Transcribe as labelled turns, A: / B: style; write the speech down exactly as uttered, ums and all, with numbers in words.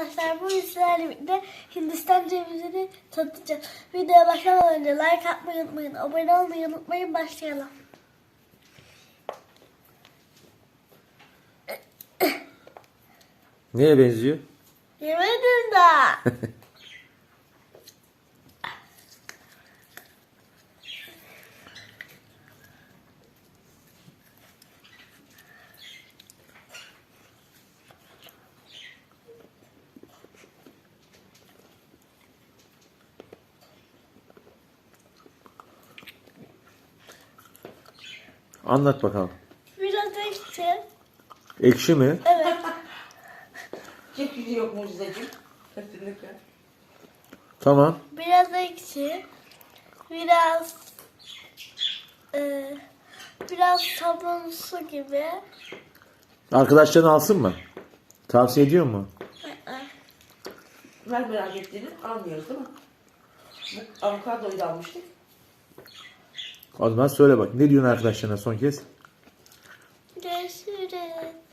A: arkadaşlar, bu sizlerle birlikte Hindistan cevizini tanıtacağız. Videoya başlamadan önce like atmayı unutmayın, abone olmayı unutmayın, başlayalım.
B: Neye benziyor?
A: Yemedim daha.
B: Anlat bakalım.
A: Biraz ekşi.
B: Ekşi mi?
A: Evet.
C: Çekili yok mucizeciğim. Kesinlikle.
B: Tamam.
A: Biraz ekşi. Biraz e, biraz sabunsu gibi.
B: Arkadaşların alsın mı? Tavsiye ediyor mu?
C: Ver merak ettiğini almıyoruz değil mi? Bu avokadoyu da almıştık.
B: O zaman söyle bak. Ne diyorsun arkadaşlarına son kez?
A: Görüşürüz.